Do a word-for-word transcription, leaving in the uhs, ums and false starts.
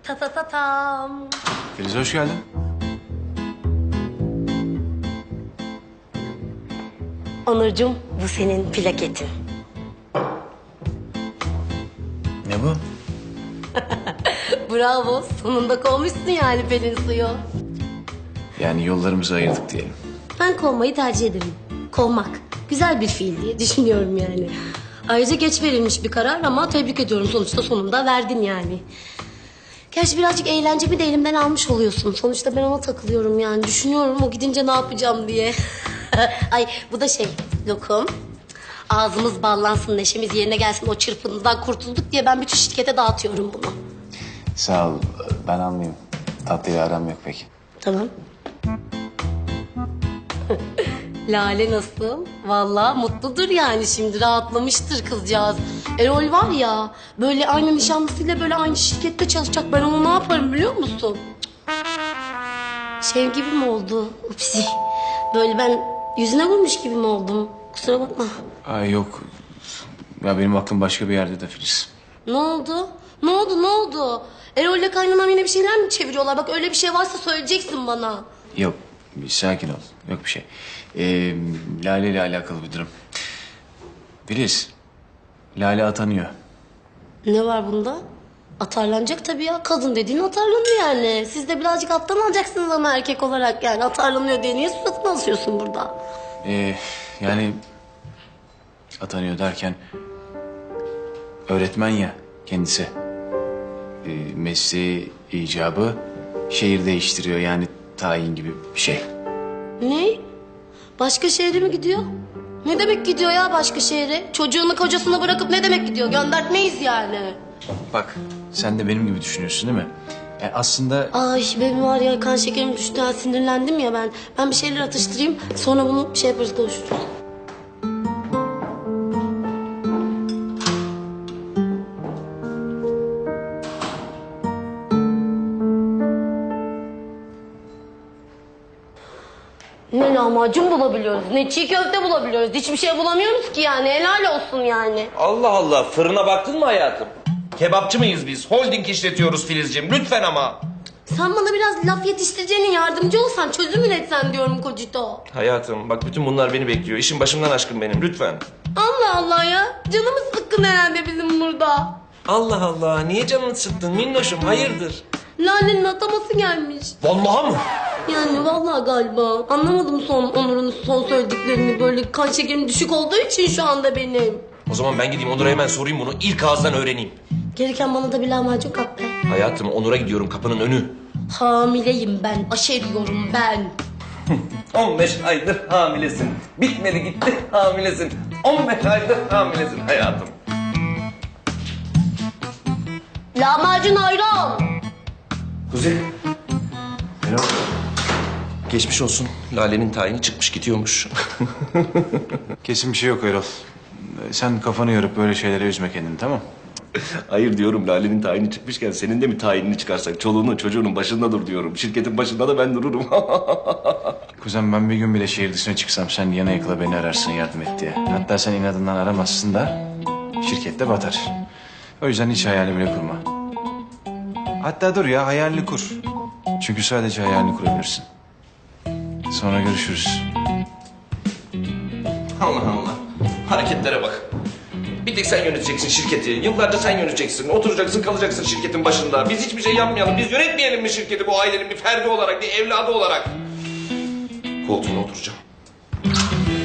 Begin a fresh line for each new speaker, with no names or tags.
Ta ta ta tam.
Filiz hoş geldin.
Onurcuğum, bu senin plaketin.
Ne bu?
Bravo, sonunda kovmuşsun yani Pelin suyu.
Yani yollarımızı ayırdık diyelim.
Ben kovmayı tercih ederim. Kovmak güzel bir fiil diye düşünüyorum yani. Ayrıca geç verilmiş bir karar ama tebrik ediyorum, sonuçta sonunda verdin yani. Gerçi birazcık eğlencemi de elimden almış oluyorsun. Sonuçta ben ona takılıyorum yani. Düşünüyorum o gidince ne yapacağım diye. Ay bu da şey, lokum. Ağzımız ballansın, neşemiz yerine gelsin, o çırpıntıdan kurtulduk diye ben bütün şirkete dağıtıyorum bunu.
Sağ ol. Ben almayayım. Tatlıyla aram yok pek.
Tamam. Lale nasıl? Vallahi mutludur yani, şimdi rahatlamıştır kızcağız. Erol var ya, böyle aynı nişanlısıyla böyle aynı şirkette çalışacak. Ben onu ne yaparım biliyor musun? Şey gibi mi oldu? Upsi. Böyle ben yüzüne vurmuş gibi mi oldum? Kusura bakma.
Ay yok. Ya benim aklım başka bir yerde de Filiz.
Ne oldu? Ne oldu? Ne oldu? Erol'le kaynanam yine bir şeyler mi çeviriyorlar? Bak öyle bir şey varsa söyleyeceksin bana.
Yok. Bir sakin ol. Yok bir şey. Ee, Lale ile alakalı bir durum. Filiz. Lale atanıyor.
Ne var bunda? Atarlanacak tabii ya. Kadın dediğin atarlanıyor yani. Siz de birazcık alttan alacaksınız ama erkek olarak yani. Atarlanıyor diye niye suratını asıyorsun burada?
Ee, yani atanıyor derken öğretmen ya kendisi. Ee, mesleği icabı şehir değiştiriyor, yani tayin gibi bir şey.
Ne? Başka şehre mi gidiyor? Ne demek gidiyor ya başka şehre? Çocuğunu kocasına bırakıp ne demek gidiyor? Göndertmeyiz yani.
Bak sen de benim gibi düşünüyorsun değil mi? Yani aslında
Ay benim var ya, kan şekerim düştü, ha, sinirlendim ya ben. Ben bir şeyler atıştırayım, sonra bunu şey yaparız, konuşuruz. Ne lahmacun bulabiliyoruz, ne çiğ köfte bulabiliyoruz. Hiçbir şey bulamıyoruz ki yani, helal olsun yani.
Allah Allah, fırına baktın mı hayatım? Kebapçı mıyız biz? Holding işletiyoruz Filizciğim, lütfen ama.
Sen bana biraz laf yetiştireceğine yardımcı olsan, çözüm üretsen diyorum Kocito.
Hayatım, bak bütün bunlar beni bekliyor. İşin başımdan aşkın benim, lütfen.
Allah Allah ya, canımız sıkkın herhalde bizim burada.
Allah Allah, niye canını sıktın minnoşum, hayırdır?
Lale'nin ataması gelmiş.
Vallahi mı?
Yani vallahi galiba. Anlamadım son Onur'un son söylediklerini. Böyle kan şekerim düşük olduğu için şu anda benim.
O zaman ben gideyim Onur'a hemen sorayım bunu, ilk ağızdan öğreneyim.
Gereken bana da bir lahmacun kap be.
Hayatım, Onur'a gidiyorum, kapının önü.
Hamileyim ben, aşeriyorum ben.
on beş aydır hamilesin. Bitmedi gitti hamilesin. on beş aydır hamilesin hayatım.
Lahmacun ayran.
Kuzey.
Erol,
Geçmiş olsun. Lale'nin tayini çıkmış gidiyormuş.
kesin bir şey yok Erol. Sen kafanı yorup böyle şeylere üzme kendini, tamam?
Hayır diyorum, Lale'nin tayini çıkmışken senin de mi tayinini çıkarsak? Çoluğunun çocuğunun başında dur diyorum. Şirketin başında da ben dururum.
Kuzen, ben bir gün bile şehir dışına çıksam sen yana yakıla beni ararsın yardım et diye. Hatta sen inadından aramazsın da şirkette batar. O yüzden hiç hayali bile kurma. Hatta dur ya, hayalini kur. Çünkü sadece hayalini kurabilirsin. Sonra görüşürüz.
Allah Allah. Hareketlere bak. Bir tek sen yöneteceksin şirketi. Yıllarca sen yöneteceksin. Oturacaksın, kalacaksın şirketin başında. Biz hiçbir şey yapmayalım. Biz yönetmeyelim mi şirketi bu ailenin bir ferdi olarak, bir evladı olarak? Koltuğuna oturacağım.